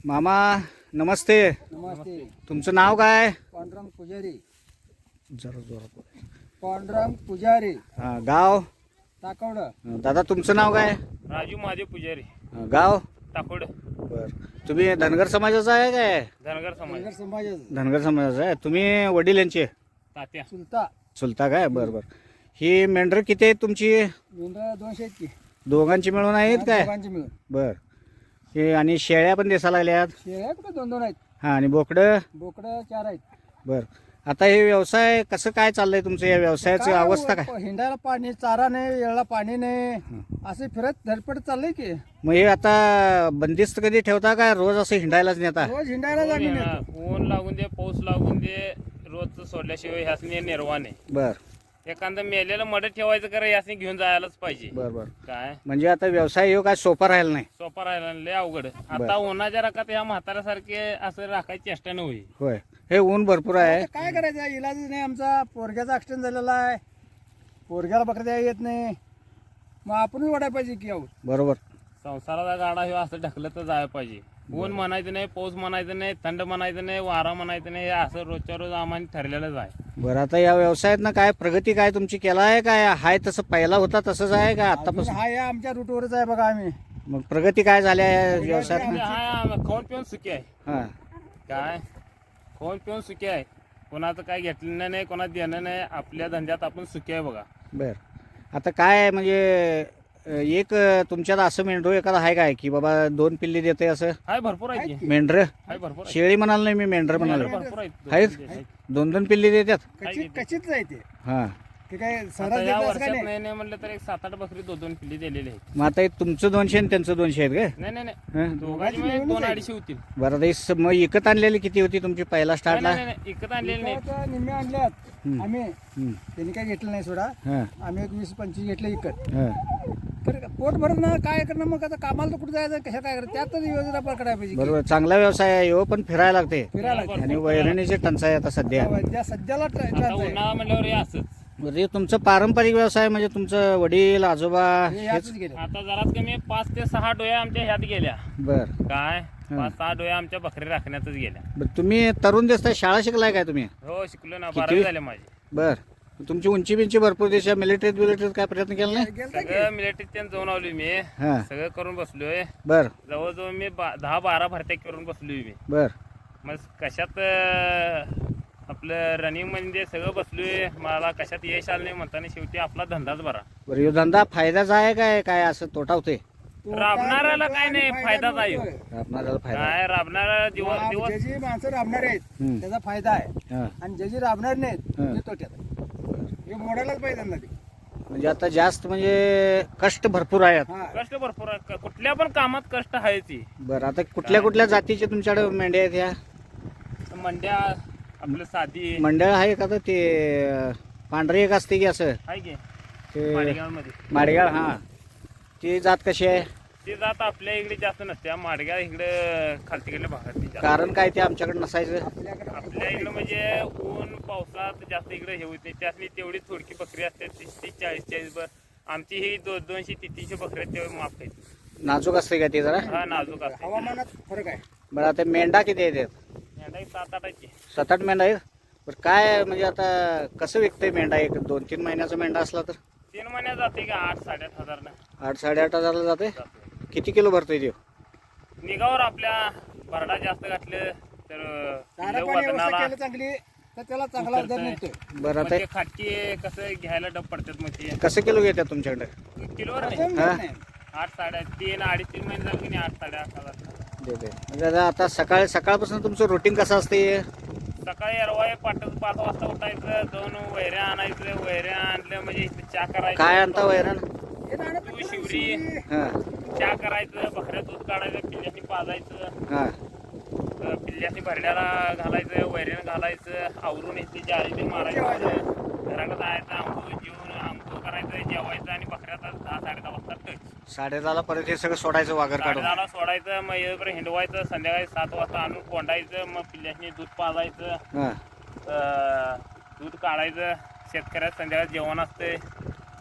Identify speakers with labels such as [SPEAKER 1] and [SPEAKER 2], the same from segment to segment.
[SPEAKER 1] मामा नमस्ते.
[SPEAKER 2] नमस्ते.
[SPEAKER 1] तुमचं नाव काय?
[SPEAKER 2] पांडुरंग पुजारी.
[SPEAKER 1] जरा जोरात बोला.
[SPEAKER 2] पांडुरंग पुजारी,
[SPEAKER 1] गाव?
[SPEAKER 2] टाकवड.
[SPEAKER 1] दादा तुमचं नाव काय?
[SPEAKER 3] राजू महादेव पुजारी,
[SPEAKER 1] गाव?
[SPEAKER 3] टाकोड.
[SPEAKER 1] बर. तुम्ही धनगर समाजाचा आहे काय?
[SPEAKER 3] धनगर समाज,
[SPEAKER 2] नगर समाजाचं.
[SPEAKER 1] धनगर समाजाचा आहे. तुम्ही वडील यांचे
[SPEAKER 3] तात्या.
[SPEAKER 2] चुलता.
[SPEAKER 1] चुलता काय? बर बर. ही मेंढर किती आहेत तुमची?
[SPEAKER 2] मेंढरा 200 आहेत की.
[SPEAKER 1] दोघांची मिळून आहेत काय?
[SPEAKER 2] दोघांची मिळून.
[SPEAKER 1] बर. हे आणि शेळ्या पण दिसायला लागल्यात.
[SPEAKER 2] शेळ्या कुठे 2-2 आहेत.
[SPEAKER 1] हा आणि बोकडं?
[SPEAKER 2] बोकडं 4 आहेत.
[SPEAKER 1] बर. आता हे व्यवसाय कसं काय चाललंय तुमचं? या व्यवसायाची अवस्था काय?
[SPEAKER 2] हिंडायला पाणी, चारा नाही, वेळेला पाणी नाही, असे फिरत धडपड चाललंय की.
[SPEAKER 1] मग हे आता बंदिस्त कधी ठेवता काय रोज असं हिंडायलाच नेता?
[SPEAKER 2] रोज हिंडायला आम्ही नेतो.
[SPEAKER 3] ऊन लागून दे, पाऊस लागून दे, रोज सोडल्याशिवाय ह्यासनी निर्वाण आहे.
[SPEAKER 1] बर
[SPEAKER 3] एखादं मेलेलं मड ठेवायचं करा, यासनी घेऊन जायलाच पाहिजे.
[SPEAKER 1] बर बर.
[SPEAKER 3] काय
[SPEAKER 1] म्हणजे आता व्यवसाय हो काय सोपा राहिला नाही.
[SPEAKER 3] सोपा राहिला लय अवघड. आता उन्हाच्या रकात ह्या म्हाताऱ्यासारखे असं राखायची चेष्टा नव्हे.
[SPEAKER 1] होय. हे ऊन भरपूर आहे.
[SPEAKER 2] आता काय करायचं, इलाजच नाही. आमचा पोरग्याचा ऍक्सिडेंट झालेला आहे, पोरग्याला बकऱ्या द्यायला येत नाही, मग आपणच वाटायला पाहिजे की आहोत.
[SPEAKER 1] बरोबर.
[SPEAKER 3] संसाराचा गाडा हे असं ढकलत तर जायला पाहिजे. ऊन म्हणायचं नाही, पाऊस म्हणायचं नाही, थंड म्हणायचं नाही, वारा म्हणायचं नाही. हे असं रोजच्या रोज आम्हाला ठरलेलंच आहे.
[SPEAKER 1] बरं. आता या व्यवसायात ना काय प्रगती काय तुमची केला आहे काय? हाय तसं पहिला होता तसंच आहे का
[SPEAKER 2] अजून
[SPEAKER 1] आतापासून?
[SPEAKER 2] हा या आमच्या रूटवरच आहे बघा आम्ही.
[SPEAKER 1] मग प्रगती काय झाल्या या व्यवसायात?
[SPEAKER 3] हा खाऊन पिऊन सुखी आहे.
[SPEAKER 1] हा
[SPEAKER 3] काय खाऊन पिऊन सुखी आहे. कोणाचं काय घेतलेलं नाही, कोणाचं देणं नाही. आपल्या धंद्यात आपण सुखी आहे बघा.
[SPEAKER 1] बर. आता काय म्हणजे एक तुमच्यात असं मेंढरू एखादा आहे काय की बाबा 2 पिल्ली देते असं?
[SPEAKER 3] हाय भरपूर आहे की.
[SPEAKER 1] मेंढर?
[SPEAKER 3] हाय भरपूर आहे.
[SPEAKER 1] शेळी म्हणाल नाही मी, मेंढर म्हणालो.
[SPEAKER 3] भरपूर
[SPEAKER 1] आहेत?
[SPEAKER 3] आहेत.
[SPEAKER 1] 2-2 पिल्ली देतात?
[SPEAKER 2] कशीच आहे ते.
[SPEAKER 1] हा.
[SPEAKER 2] ते काय
[SPEAKER 3] आता
[SPEAKER 2] सरळ
[SPEAKER 3] या
[SPEAKER 2] देत असं काय
[SPEAKER 3] वर्षात
[SPEAKER 2] नाही.
[SPEAKER 3] नाही म्हणलं तर एक 7-8 बकरी 2-2 पिल्ली दिलेली आहेत.
[SPEAKER 1] मग आता हे तुमचं 200 आणि त्यांचं 200 आहेत काय?
[SPEAKER 3] नाही नाही नाही,
[SPEAKER 1] हं?
[SPEAKER 3] दोघांची मिळून 200-250 होतील.
[SPEAKER 1] बरं. आता मग विकत आणलेली किती होती तुमची पहिला
[SPEAKER 3] नाही
[SPEAKER 1] स्टार्टला?
[SPEAKER 3] नाही नाही, इकत आणलेली नाही.
[SPEAKER 2] आता निम्मे आणल्यात
[SPEAKER 1] हम्म.
[SPEAKER 2] आम्ही.
[SPEAKER 1] हं.
[SPEAKER 2] त्यांनी काय घेतलं नाही सोडा.
[SPEAKER 1] हां
[SPEAKER 2] आम्ही एक 20-25 घेतले इकत.
[SPEAKER 1] हां.
[SPEAKER 2] तर पोट भरत ना काय करणार, मग आता कामाला तर कुठे जायचं, कशा काय करायचं, त्यातच योजना करायला पाहिजे.
[SPEAKER 1] बरोबर. चांगला व्यवसाय आहे हो, पण फिरायला लागते.
[SPEAKER 2] फिरायला लागते.
[SPEAKER 1] आणि वैरणीची टंचाई आता सध्या.
[SPEAKER 2] त्या सध्याला
[SPEAKER 3] आता
[SPEAKER 2] ट्रान्स आहे.
[SPEAKER 3] उन्हाळा म्हणल्यावर हे असंच.
[SPEAKER 1] बरं. हे तुमचं पारंपरिक व्यवसाय म्हणजे तुमचं वडील आजोबा
[SPEAKER 2] हे
[SPEAKER 1] हेच?
[SPEAKER 2] यातच गेले.
[SPEAKER 3] आता जराच कमी 5 ते 6 डोया आमच्या ह्यात गेल्या.
[SPEAKER 1] बर.
[SPEAKER 3] काय 5-6 डोया आमच्या बकरी राखण्यातच गेल्या.
[SPEAKER 1] बरं. तुम्ही तरुण दिसताय, शाळा शिकलाय काय तुम्ही?
[SPEAKER 3] हो शिकलो ना,
[SPEAKER 1] किती?
[SPEAKER 3] 12 झाले माझे.
[SPEAKER 1] बर. तुमची उंची बिंची भरपूर दिसते. मिलिटरीत काय प्रयत्न केला नाही?
[SPEAKER 2] गेलता की?
[SPEAKER 3] सगळं मिलिटरीत जाऊन आलोय मी.
[SPEAKER 1] हां.
[SPEAKER 3] सगळं करून बसलोय.
[SPEAKER 1] बर
[SPEAKER 3] जवळजवळ मी 10-12 भरत्या करून बसलोय मी.
[SPEAKER 1] बर.
[SPEAKER 3] मग कशात आपलं रनिंग मध्ये सगळं बसलोय. मला कशात यश आलं नाही म्हणताना शेवटी आपला धंदाच बरा.
[SPEAKER 1] बरं. ह्यो धंदा फायद्याचा आहे काय काय असं तोटा होते?
[SPEAKER 3] राबणाऱ्याला काय नाही, फायदाच आहे.
[SPEAKER 1] आपणाला फायदा?
[SPEAKER 3] काय राबणारा दिवस
[SPEAKER 2] जे जी माणसं राबणार आहेत
[SPEAKER 1] हम्म.
[SPEAKER 2] त्याचा फायदा आहे,
[SPEAKER 1] हां.
[SPEAKER 2] आणि जे जी राबणार नाहीत
[SPEAKER 1] हं.
[SPEAKER 2] ते तोट्यात आहे. हे मोडायलाच पाहिजे त्यांना ते.
[SPEAKER 1] म्हणजे आता जास्त म्हणजे कष्ट भरपूर आहेत.
[SPEAKER 2] हा.
[SPEAKER 3] कष्ट भरपूर आहे. कुठल्या पण कामात कष्ट आहे ती.
[SPEAKER 1] बरं. आता कुठल्या कुठल्या जातीचे तुमच्याकडे मेंढ्या आहेत ह्या?
[SPEAKER 3] मंड्या आपलं साधी
[SPEAKER 1] मंडळ आहे का? तर ते पांढरी एक असते की असं
[SPEAKER 3] आहे की
[SPEAKER 1] ते
[SPEAKER 3] माडगावमध्ये.
[SPEAKER 1] माडगाळ? हां. ती जात कशी आहे?
[SPEAKER 3] ती जात आपल्या इकडे जास्त नसते. माडगाव इकडे खालतीकडल्या भागात ती जास्त.
[SPEAKER 1] कारण काय ते आमच्याकडे नसायचं?
[SPEAKER 2] आपल्याकडे
[SPEAKER 3] आपल्या इकडे म्हणजे ऊन पावसात जास्त इकडे हे होत नाही. त्यातली तेवढी थोडकी बकरी असते 30-40 आमची ही 200-300 बकरी आहेत, तेवढे माफ आहेत.
[SPEAKER 1] नाजूक असते का ते जरा?
[SPEAKER 3] हा नाजूक असते.
[SPEAKER 2] हवामानात फरक आहे.
[SPEAKER 1] बरं. आता मेंढा किती येतात?
[SPEAKER 3] मेंढा 7-8
[SPEAKER 1] 7-8 मेंढा आहेत. बरं. काय म्हणजे आता कसं विकतंय मेंढा? एक 2-3 महिन्याचा मेंढा असला तर
[SPEAKER 3] 3 महिन्यात जाते का 8-8.5 हजार ना
[SPEAKER 1] 8-8.5 हजारला जाते.
[SPEAKER 3] जाते.
[SPEAKER 1] किती किलो भरतोय ते?
[SPEAKER 3] निघावर आपल्या भरडा जास्त घातलं तर
[SPEAKER 2] चारा पाणी व्यवस्था केलं चांगली तर त्याला चांगला दर मिळतोय.
[SPEAKER 1] बरं. आता
[SPEAKER 3] खाटकी कसं घ्यायला डब पडतात मग ते
[SPEAKER 1] कसं किलो घेतात तुमच्याकडे?
[SPEAKER 3] किलोवर
[SPEAKER 2] असं
[SPEAKER 3] नाही.
[SPEAKER 2] मिळत
[SPEAKER 1] हा.
[SPEAKER 2] नाही.
[SPEAKER 3] 8-3.5 अडीच-3 महिने झाले की नाही 8-8.5 हजार.
[SPEAKER 1] देते. म्हणजे आता सकाळपासून तुमचं रुटीन कसं असते?
[SPEAKER 3] सकाळी अरवाय 5 वाजता उठायचं, जाऊन वैऱ्या आणायचं. वैऱ्या आणलं म्हणजे इथं चहा करायचं.
[SPEAKER 1] काय आणता वैरण?
[SPEAKER 2] हे राहणं
[SPEAKER 3] तू
[SPEAKER 2] पडतं
[SPEAKER 3] शिवरी.
[SPEAKER 2] शिवरी.
[SPEAKER 1] हां
[SPEAKER 3] चहा करायचं, बकऱ्या दूध काढायचं, पिल्ल्यानी पाजायचं,
[SPEAKER 1] हां.
[SPEAKER 3] पिल्ल्यानी भरड्याला घालायचं, वैऱ्यानं घालायचं, आवरून इथली जाळी मारायचं, घराकडे जायचं, आंघोळ करायचं, जेवायचं आणि बकऱ्याचा 10-10:30 वाजता टच.
[SPEAKER 1] 10:30ला परत हे सगळं सोडायचं वाघर काढून?
[SPEAKER 3] 10:30ला सोडायचं, मग येईपर्यंत हिंडवायचं, संध्याकाळी 7 वाजता आणून कोंडायचं, मग पिल्ल्यानी दूध पाजायचं,
[SPEAKER 1] हां.
[SPEAKER 3] दूध काढायचं. शेतकऱ्यात संध्याकाळी जेवण असते.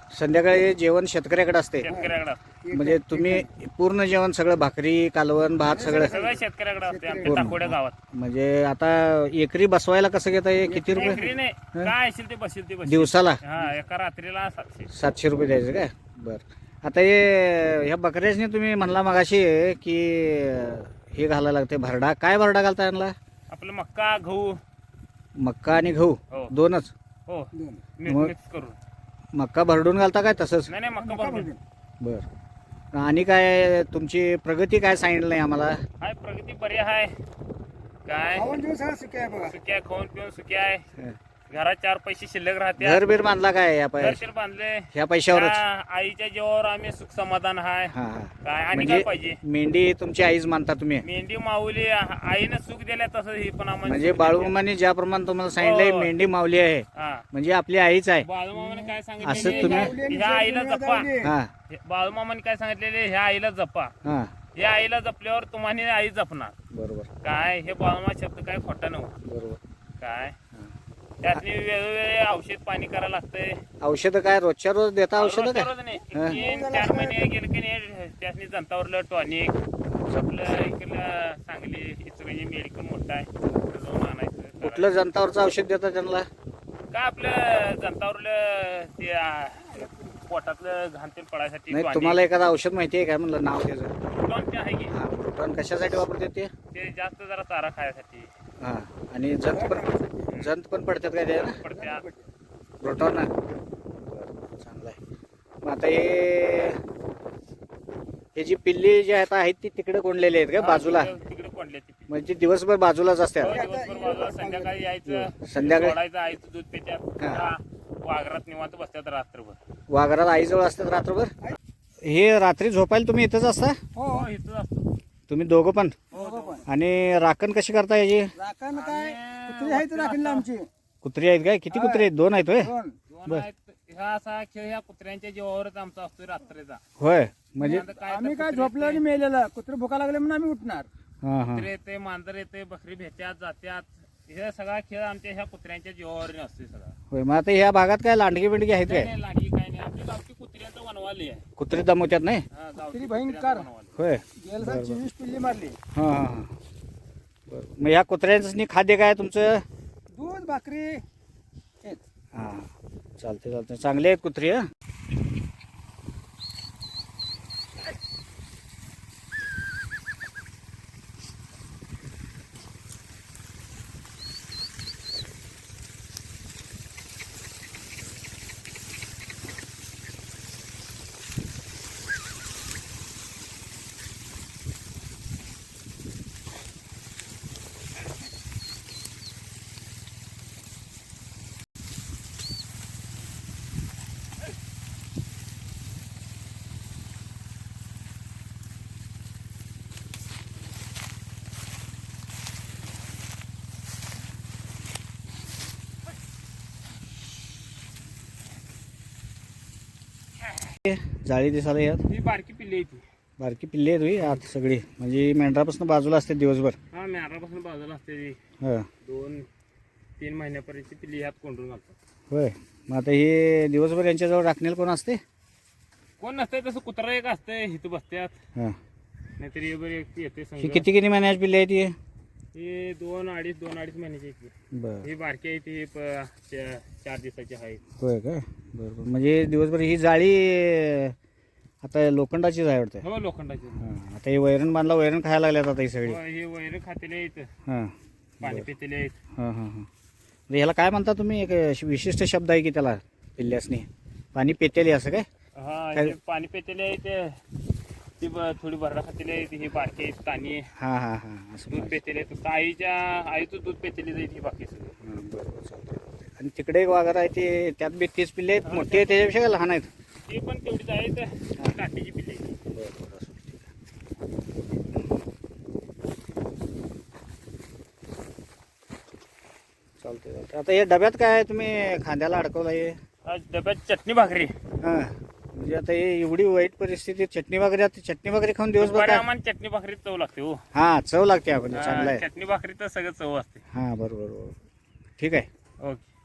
[SPEAKER 1] संध्याकाळी जेवण शेतकऱ्याकडे असते
[SPEAKER 3] शेतकऱ्याकडे असते.
[SPEAKER 1] म्हणजे तुम्ही पूर्ण जेवण सगळं भाकरी कालवण भात सगळं
[SPEAKER 3] सगळं शेतकऱ्याकडे असते आमच्या टाकोड्या गावात.
[SPEAKER 1] म्हणजे आता एकरी बसवायला कसं घेता ये किती रुपये
[SPEAKER 3] एकरी नाही काय असेल ते बसेल ते बसेल.
[SPEAKER 1] दिवसाला
[SPEAKER 3] हा एका रात्रीला 700.
[SPEAKER 1] 700 रुपये द्यायचं काय बरं आता हे ह्या बकऱ्यासनी तुम्ही म्हणला मगाशी की हे घालायला लागते भरडा काय भरडा घालता यांना
[SPEAKER 3] आपलं मक्का गहू
[SPEAKER 1] मक्का आणि गहू
[SPEAKER 3] हो
[SPEAKER 1] दोनच
[SPEAKER 3] हो
[SPEAKER 2] दोन.
[SPEAKER 3] मिक्स करून.
[SPEAKER 1] मक्का भरडून घालता काय तसंच
[SPEAKER 3] नाही मक्का भरून.
[SPEAKER 1] बरं आणि काय तुमची प्रगती काय सांगितलं नाही आम्हाला
[SPEAKER 3] हाय प्रगती बरी आहे. काय
[SPEAKER 2] खाऊन दिवस सगळं सुखी आहे बघा.
[SPEAKER 3] सुक्या खाऊन पिऊन सुक्या आहे. घरात 4 पैसे शिल्लक राहते.
[SPEAKER 1] घर बीर बांधला काय या
[SPEAKER 3] घरशीर बांधले.
[SPEAKER 1] ह्या पैशावरच
[SPEAKER 3] त्या आईच्या जीवावर आम्ही सुख समाधान आहे.
[SPEAKER 1] हा हा
[SPEAKER 3] काय आणि
[SPEAKER 1] म्हणजे
[SPEAKER 3] काय पाहिजे.
[SPEAKER 1] मेंढी तुमची आईच मानता तुम्ही
[SPEAKER 3] मेंढी माऊली आईनं सुख दिल्या तसं ही पण आम्हाला
[SPEAKER 1] म्हणजे
[SPEAKER 3] सुख दिल्या.
[SPEAKER 1] बाळूमामाने ज्याप्रमाणे तुम्हाला सांगितलंय
[SPEAKER 3] हो.
[SPEAKER 1] मेंढी माऊली आहे
[SPEAKER 3] हा
[SPEAKER 1] म्हणजे आपली आईच आहे
[SPEAKER 3] बाळूमामाने काय
[SPEAKER 1] असं
[SPEAKER 3] सांगितलेले
[SPEAKER 1] तुम्ही-
[SPEAKER 3] ह्या आईला जपा.
[SPEAKER 1] हा
[SPEAKER 3] बाळूमामाने काय सांगितलेले ह्या आईला जपा.
[SPEAKER 1] हा
[SPEAKER 3] या आईला जपल्यावर तुम्हाला आई जपणार.
[SPEAKER 1] बरोबर
[SPEAKER 3] काय हे बाळूमा शब्द काय खोटा नव्हतं.
[SPEAKER 1] बरोबर
[SPEAKER 3] काय त्यातनी वेळोवेळी औषध पाणी करायला लागतंय.
[SPEAKER 1] औषधं काय रोजच्या रोज देता औषधं
[SPEAKER 3] रोजच्या
[SPEAKER 1] काय
[SPEAKER 3] रोज नाही.
[SPEAKER 1] हा.
[SPEAKER 3] 3-4 महिने गेले की नाही त्यातनी जंतावरलं टॉनिक आपलं इकडलं सांगली इचलकरंजी मेडिकल मोठं आहे तिकडं जाऊन आणायचं.
[SPEAKER 1] कुठलं जंतावरचं औषध देता त्यांना
[SPEAKER 3] काय आपलं जंतावरलं ते पोटातलं घाण तेल पडायसाठी
[SPEAKER 1] नाही
[SPEAKER 3] tonic.
[SPEAKER 1] तुम्हाला एखादं औषध माहिती आहे काय म्हणलं नाव त्याचं
[SPEAKER 3] Fluton ते आहे की
[SPEAKER 1] हा प्रोटॉन कशासाठी वापरते ते
[SPEAKER 3] ते जास्त जरा चारा खायसाठी
[SPEAKER 1] हा आणि जंत पण पडतात काय ते ना
[SPEAKER 3] पडत्या.
[SPEAKER 1] प्रोटॉन ना चांगलं आहे मग आता हे जी पिल्ली जी आहेत ती तिकडे कोंडलेली आहेत का बाजूला
[SPEAKER 3] तिकडे कोंडले ती.
[SPEAKER 1] म्हणजे दिवसभर बाजूलाच
[SPEAKER 3] हो,
[SPEAKER 1] असतात
[SPEAKER 3] दिवसभर बाजूला संध्याकाळी यायचं
[SPEAKER 1] संध्याकाळी?
[SPEAKER 3] सोडायचं आईचं दूध पित्यात.
[SPEAKER 1] हा.
[SPEAKER 3] हा, वाघरात निवांत बसतात रात्रभर.
[SPEAKER 1] वाघरात आईजवळ असतात रात्रभर हे रात्री झोपायला तुम्ही इथंच असता
[SPEAKER 2] हो
[SPEAKER 3] हो इथं असतो.
[SPEAKER 1] तुम्ही दोघं पण
[SPEAKER 2] दोघं पण.
[SPEAKER 1] आणि राखण कशी करता याची
[SPEAKER 2] राखण काय कुत्री आहेत राखणला आमची
[SPEAKER 1] कुत्री आहेत काय किती कुत्री आहेत 2 आहेत होय
[SPEAKER 2] दोन.
[SPEAKER 3] दोन आहेत. ह्या असा खेळ ह्या कुत्र्यांच्या जीवावरच आमचा असतोय रात्रीचा.
[SPEAKER 1] होय म्हणजे
[SPEAKER 3] आता काय तर
[SPEAKER 2] आम्ही काय
[SPEAKER 3] कुत्रे
[SPEAKER 2] झोपलं आणि मेलेलं कुत्री भुका लागले म्हणून आम्ही उठणार.
[SPEAKER 1] हां हां
[SPEAKER 3] कुत्रे येते मांजर येते बकरी भेटत्यात जात्यात. हे सगळा खेळ आमच्या ह्या कुत्र्यांच्या जीवावर असतोय सगळा.
[SPEAKER 1] होय मग आता ह्या भागात काय लांडगी बिंडगी आहेत
[SPEAKER 3] नाही
[SPEAKER 1] काय
[SPEAKER 3] नाही, लागी काय नाही. आपली गावची कुत्र्यांचं वनवाली आहे.
[SPEAKER 1] कुत्री दमवत्यात नाही
[SPEAKER 3] हा, गावची
[SPEAKER 2] कुत्री
[SPEAKER 3] कुत्र्यांचं
[SPEAKER 2] भयंकर.
[SPEAKER 3] वनवाली.
[SPEAKER 1] होय
[SPEAKER 2] गेल्या साली 24 पिल्ली मारली.
[SPEAKER 1] हां हां हां बरं मग ह्या कुत्र्यांचं खाद्य काय तुमचं
[SPEAKER 2] दूध भाकरी हेच.
[SPEAKER 1] हां चालते चालते चांगले आहेत कुत्री हं जाळी दिसायला यात
[SPEAKER 3] ही बारकी पिल्ली आहे ती.
[SPEAKER 1] बारकी पिल्ली आहेत होई आत सगळी म्हणजे मेंढरापासून बाजूला असते दिवसभर
[SPEAKER 3] हा मेहरापासून बाजूला असते ती.
[SPEAKER 1] हां
[SPEAKER 3] 2-3 महिन्यापर्यंत पिल्ली ह्यात कोंडून घालतात.
[SPEAKER 1] होय मग आता हे दिवसभर यांच्याजवळ राखण्याला कोण असते
[SPEAKER 3] कोण नसतंय तसं कुत्रा एक असतंय इथं बसत्यात.
[SPEAKER 1] हां
[SPEAKER 3] नाहीतर हे बरं एक येते
[SPEAKER 1] ही
[SPEAKER 3] संग.
[SPEAKER 1] किती महिन्याची पिल्ली आहे ती
[SPEAKER 3] हे 2-2.5 महिन्याची आहे ती.
[SPEAKER 1] बरं
[SPEAKER 3] ही बारकी आहे ती 4 दिवसाची आहे.
[SPEAKER 1] होय काय बरोबर म्हणजे दिवसभर ही जाळी आता लोखंडाचीच आहे वाटतं
[SPEAKER 3] हो लोखंडाची.
[SPEAKER 1] हां आता हे वैरण बांधला वैरण खायला लागल्यात आता ही सगळी
[SPEAKER 3] हो, हे वैर खातेले आहेत
[SPEAKER 1] हां
[SPEAKER 3] पाणी पितेले आहेत.
[SPEAKER 1] हां हां हां म्हणजे ह्याला काय म्हणता तुम्ही एक विशिष्ट शब्द आहे की त्याला पिल्ल्यासनी पाणी पेतेली असं काय
[SPEAKER 3] हा
[SPEAKER 1] काय-
[SPEAKER 3] हे पाणी पितेले आहेत. ती थोडी भरडा खातेली आहेत. ही बारकी आहेत तानी
[SPEAKER 1] हां हां हां असं
[SPEAKER 3] दूध पेतेले आहेत. फक्त आईचं दूध पेतेली जाईल ही बाकी सगळी.
[SPEAKER 1] हां बरोबर चालतंय आणि तिकडे एक वाघर आहे ते त्यात बी 30 पिल्ले आहेत मोठे आहेत त्याच्यापेक्षा काय लहान आहेत
[SPEAKER 3] ती पण तेवढीच आहेत. काठीची पिल्ली आहेत.
[SPEAKER 1] बरोबर असं ठीक आहे चालतंय चालतंय आता हे डब्यात काय तुम्ही खांद्याला अडकवलं आहे
[SPEAKER 3] आज डब्यात चटणी भाकरी.
[SPEAKER 1] हां म्हणजे आता हे एवढी वाईट परिस्थिती चटणी वगैरे आता चटणी वगैरे खाऊन दिवसभर
[SPEAKER 3] दुपारी
[SPEAKER 1] काय
[SPEAKER 3] आम्हाला चटणी भाकरी चव लागते हो.
[SPEAKER 1] हां चव लागते आपण चांगलं आहे
[SPEAKER 3] चटणी भाकरी तर सगळं चव असते.
[SPEAKER 1] हां बरोबर बरोबर ठीक आहे
[SPEAKER 3] ओके.